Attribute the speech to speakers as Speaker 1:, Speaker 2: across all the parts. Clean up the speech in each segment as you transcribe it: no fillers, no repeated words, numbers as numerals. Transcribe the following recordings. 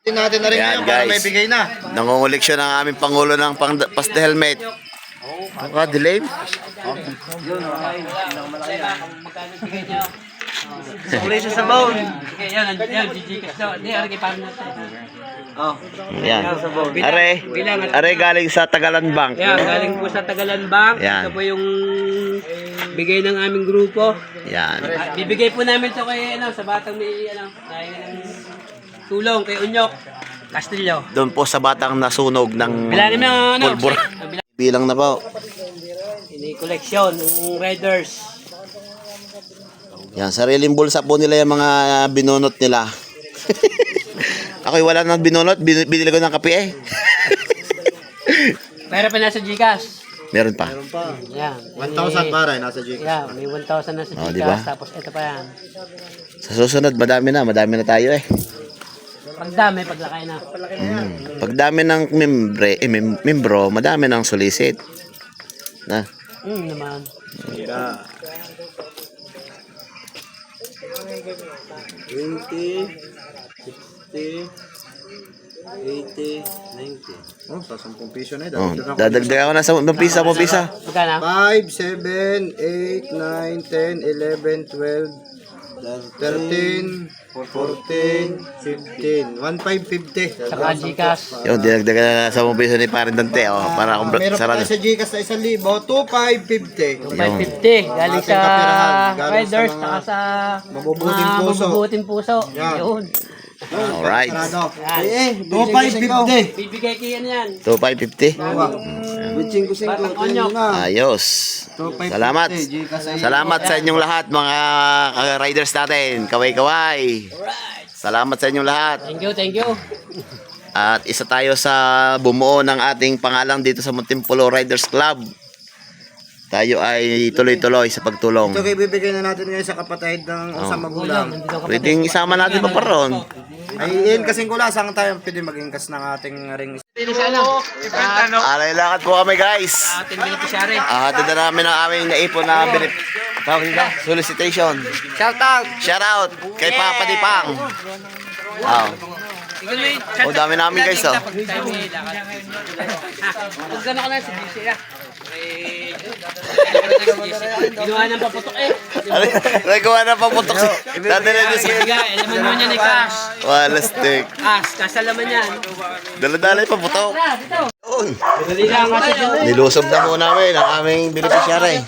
Speaker 1: Natin na rin
Speaker 2: Yan,
Speaker 1: ngayon para
Speaker 2: guys.
Speaker 1: may bigay na.
Speaker 2: Nangunguliksyon ng aming Pangulo ng pasta helmet. Baka delay.
Speaker 3: Kulay sa sabaw. Yan, GG daw. Hindi, ari kay parang natin. Oh.
Speaker 2: Yan. Are galing sa Tagalan Bank.
Speaker 3: Yan, galing po sa Tagalan Bank.
Speaker 2: Yan.
Speaker 3: Ito po yung bigay ng aming grupo.
Speaker 2: Yan.
Speaker 3: Bibigay po namin to kay sa batang may dahil ng tulong kay Unyok Castillo.
Speaker 2: Doon po sa batang nasunog ng
Speaker 3: Bilangin mo
Speaker 2: pulbura. Bilang na po.
Speaker 3: Ini koleksyon ng Riders.
Speaker 2: Yan, sariling bulsa po nila yung mga binunot nila. Ako'y wala nang binunot, binili ko ng kape eh.
Speaker 3: Pero pa nasa Gcash.
Speaker 2: Meron pa.
Speaker 3: Yan.
Speaker 1: 1,000 para nasa Gcash.
Speaker 3: Yeah, may 1,000 na sa Gcash.
Speaker 2: Diba?
Speaker 3: Tapos ito pa yan.
Speaker 2: Sa susunod, madami na tayo eh.
Speaker 3: Pagdami, paglakay na.
Speaker 2: Pagdami ng membro, madami ng solicit. Na.
Speaker 3: Naman.
Speaker 1: Yeah. 20, 60, 80, 90. Oh, sa 10 piso na
Speaker 2: Oh, dadagdagan ko na sa pisa.
Speaker 3: Magkano?
Speaker 1: 5, 7, 8, 9, 10, 11, 12, 13, 14, 15, 1,550.
Speaker 3: Saka Gcash.
Speaker 2: Yung dinagdagan na sa piso ni Parin Dante, oh, para
Speaker 1: Meron pa
Speaker 2: sarado.
Speaker 1: tayo sa Gcash na 1,000, 2,550.
Speaker 3: 550 galing
Speaker 1: Ating kapirahan,
Speaker 3: sa
Speaker 1: galing
Speaker 3: Riders,
Speaker 1: sa mga
Speaker 3: saka sa
Speaker 1: mabubuting puso.
Speaker 3: mabubuting puso.
Speaker 1: Yan.
Speaker 3: Yun.
Speaker 2: Alright.
Speaker 3: Yan.
Speaker 1: 2,550.
Speaker 3: Bibigay kayo yan.
Speaker 2: 2,550.
Speaker 3: Batang Onyok.
Speaker 2: Ayos. Salamat. Salamat sa inyong lahat, mga riders natin. Kaway-kaway. Salamat sa inyong lahat.
Speaker 3: Thank you.
Speaker 2: At isa tayo sa bumuo ng ating pangalang dito sa Muntinpulo Riders Club. Tayo ay tuloy-tuloy sa pagtulong.
Speaker 1: Ito kayo bibigay na natin ngayon sa kapatid ng isang magulang.
Speaker 2: Pwedeng isama natin pa ron.
Speaker 1: Ay, yun kasing kulasang tayo pwede mag-ingkas ng ating ring.
Speaker 2: Alay lakad po kami, guys.
Speaker 3: Ating beneficiary.
Speaker 2: Hatid na namin ang aming naipon na solicitation.
Speaker 3: Shout out.
Speaker 2: Shout out kay Papa Dipang. Oh, dami namin, guys, oh.
Speaker 3: Pag gano'n ka na sa GC na. Ginawa ng paputok eh.
Speaker 2: Nagawa na paputok si dati na si
Speaker 3: Alaman mo niya ni Cash.
Speaker 2: wala stick.
Speaker 3: Cash alaman yan.
Speaker 2: Dala-dala yung paputok.
Speaker 3: Dali lang kasi dyan.
Speaker 2: Nilusob na po namin ang aming beneficiary.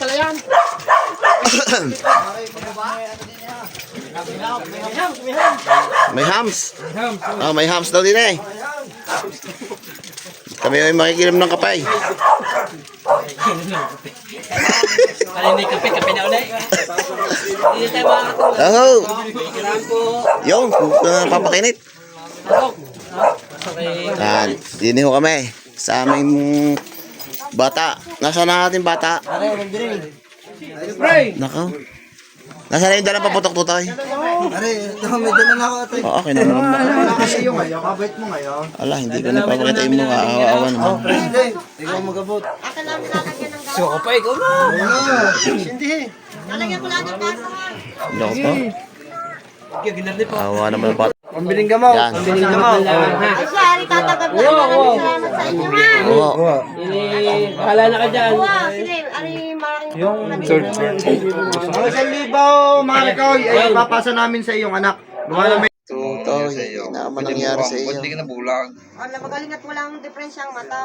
Speaker 2: May hams. Oh, may hams daw din eh. Kami ay makikilam ng kapay.
Speaker 3: Kala hindi kape na ulit. Hindi tayo makakatulog.
Speaker 2: Oh,
Speaker 3: Kailangan po.
Speaker 2: yung papakinit. Yan, dini ho kami sa aming bata. Nasaan na ating bata? Nako. Nasaan na yung dalang paputok tutoy?
Speaker 1: May dala na ako ito.
Speaker 2: Oo, okay na naman.
Speaker 1: Kasi yung ngayon, kabait mo ngayon.
Speaker 2: Ala, hindi ko na papakita yung mga awa-awa naman.
Speaker 1: President, ikaw magabot.
Speaker 4: Aka namin lalagyan ng
Speaker 3: So, pa ikaw na.
Speaker 1: Hindi.
Speaker 4: lalagyan ko lang ng baso.
Speaker 2: Hindi ako pa.
Speaker 3: Ginarli po.
Speaker 2: Awa naman ang bata.
Speaker 1: Pambiling gamaw.
Speaker 2: Yan.
Speaker 1: Pambiling gamaw.
Speaker 4: Ay, sorry, tatagab na. Maraming salamat sa inyo, ha?
Speaker 2: Oo.
Speaker 3: Kala na ka dyan.
Speaker 4: Wow, sige, ari, maraming yung
Speaker 1: Ang 1,000, Marco, ay papasa namin sa iyong anak. Gawa namin.
Speaker 2: Tutoy, hindi naman nangyari sa iyo.
Speaker 4: Wala, magaling at walang diferensya ang mata.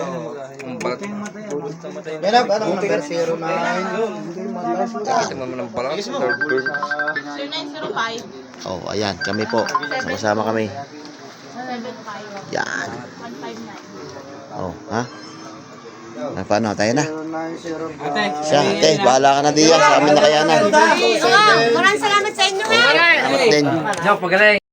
Speaker 1: Ganap, anong number? 09.
Speaker 4: 0905
Speaker 2: Oh, ayan, kami po. Sama-sama kami.
Speaker 4: 75
Speaker 2: Yan.
Speaker 4: 159.
Speaker 2: Oh, ha? Paano? Tayo na.
Speaker 1: 0905.
Speaker 3: Ate.
Speaker 2: Siya, bahala ka na diyan sa amin na kayanan.
Speaker 4: Maraming salamat sa inyo, ha?
Speaker 2: Salamat din.
Speaker 3: Diyan, pagaling.